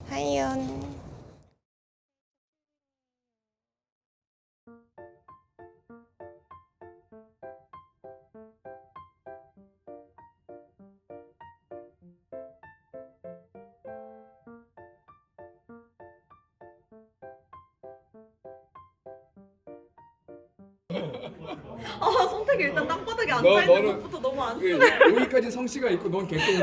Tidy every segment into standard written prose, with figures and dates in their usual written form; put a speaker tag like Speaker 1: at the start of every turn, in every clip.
Speaker 1: 하이연.
Speaker 2: 성택이 일단 땅바닥에 앉아있는 것부터 너무 안쓰러워.
Speaker 3: 여기까지 성씨가 있고 넌 개똥.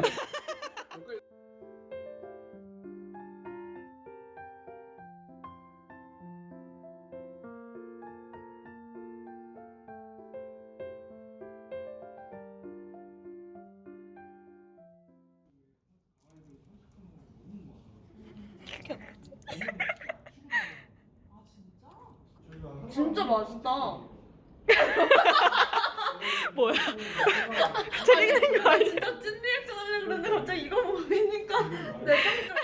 Speaker 2: 진짜 맛있다.
Speaker 1: 뭐야? 재밌는 거 아니야?
Speaker 2: 진짜 찐 리액션 하려고 그랬는데 갑자기 이거 보이니까 내 깜짝.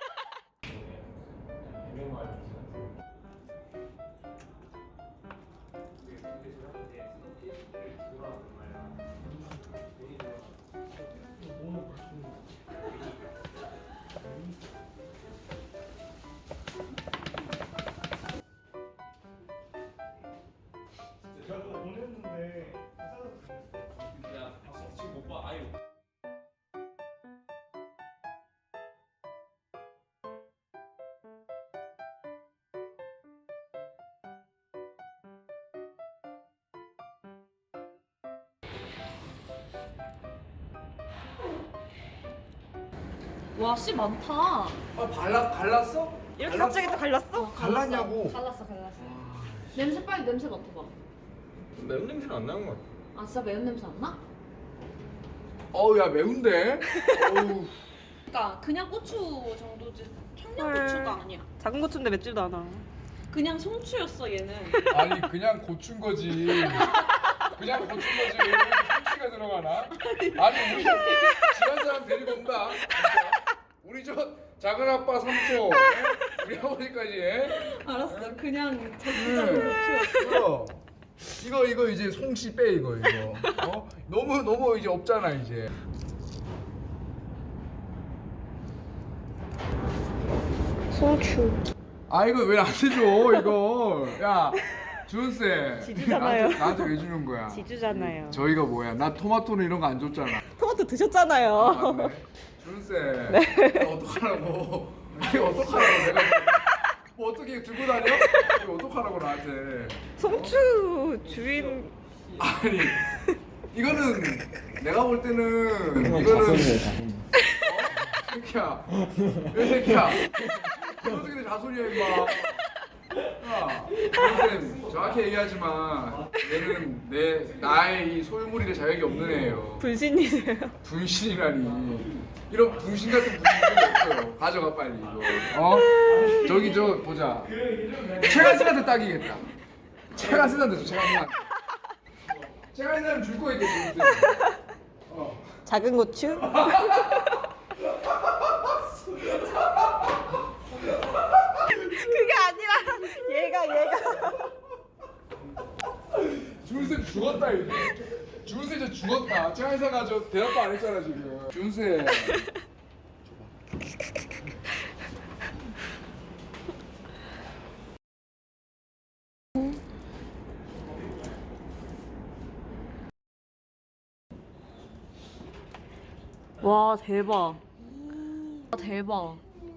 Speaker 4: 제가 또 보냈는데
Speaker 5: 야, 지금 못 봐. 아유.
Speaker 2: 와, 씨 많다.
Speaker 3: 갈랐어?
Speaker 1: 이렇게 갑자기 또 갈랐어?
Speaker 3: 갈랐냐고.
Speaker 2: 갈랐어. 냄새 빨리 냄새 맡아봐.
Speaker 5: 매운 냄새는 안 나는 것 같아.
Speaker 2: 아, 진짜 매운 냄새 안 나?
Speaker 3: 어우 야 매운데. 어우.
Speaker 2: 그러니까 그냥 고추 정도지
Speaker 1: 헐.
Speaker 2: 청양고추가 아니야.
Speaker 1: 작은 고추인데 맵지도 않아.
Speaker 2: 그냥 송추였어 얘는.
Speaker 3: 아니 그냥 고춘 거지. 그냥 고춘 거지. 왜 이렇게 성씨가 들어가나? 아니 우리 지한 사람 데리고 온다. 진짜. 우리 저 작은 아빠 삼촌, 우리 아버지까지.
Speaker 2: 알았어. 그냥 적당한 고추였어.
Speaker 3: 이거 이제 송씨 빼 이거. 너무 이제 없잖아 이제.
Speaker 1: 소추.
Speaker 3: 아 이거 왜 나한테 줘 이거. 야 준세.
Speaker 1: 지주잖아요.
Speaker 3: 나한테 왜 주는 거야?
Speaker 1: 지주잖아요.
Speaker 3: 저희가 뭐야? 나 토마토는 이런 거 안 줬잖아.
Speaker 1: 토마토 드셨잖아요.
Speaker 3: 맞네. 준세. 이거 어떡하라고? 이거 어떡하라고? 내가 뭐 어떻게 들고 다녀? 이거 어떡하라고 나한테?
Speaker 1: 송추 주인.
Speaker 3: 아니 이거는 내가 볼 때는 이거는 새끼야 왜 새끼야 이거 어떻게 자손이야 임마. 야 선생님 정확히 얘기하지만 얘는 나의 이 소유물이라 자격이 없는 애예요.
Speaker 1: 분신이세요?
Speaker 3: 분신이라니 이런 분신 같은 분신이 없어요. 가져가 빨리 이거. 저기 저 보자. 최간신한테 딱이겠다. 최간신한테 줘. 최간신한테 줄 거 있겠지.
Speaker 1: 작은 고추? 그게 아니라 얘가
Speaker 3: 준세 죽었다 이제. 준세 저 죽었다. 최간신가 저 대답도 안 했잖아 지금. 준세.
Speaker 2: 와, 대박. 아, 대박.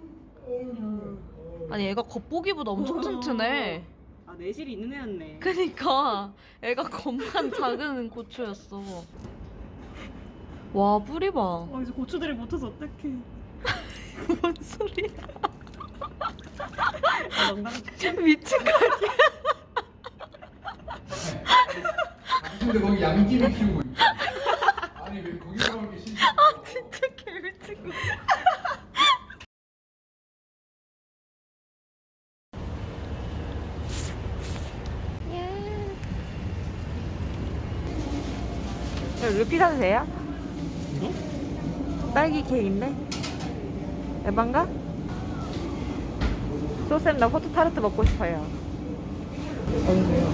Speaker 2: 아니 애가 겉보기보다 엄청 튼튼해.
Speaker 1: 아 내실이 있는 애였네.
Speaker 2: 그니까 애가 겉만 작은 고추였어. 와, 뿌리 봐.
Speaker 1: 이제 고추들이 못해서 어떡해.
Speaker 2: 뭔 소리야.
Speaker 1: 농담.
Speaker 2: 미친 거 아니야?
Speaker 3: 근데 거기 양귀비 키우고 있어. 아니 왜 거기서 이렇게 신기?
Speaker 2: 진짜 개미친 거.
Speaker 1: 루피 사도 돼요? 딸기 케이크인데? 에반가? 소쌤 나 포토 타르트 먹고 싶어요.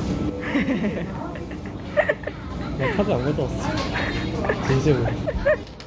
Speaker 4: 나 카드 안 가져왔어. 진심으로.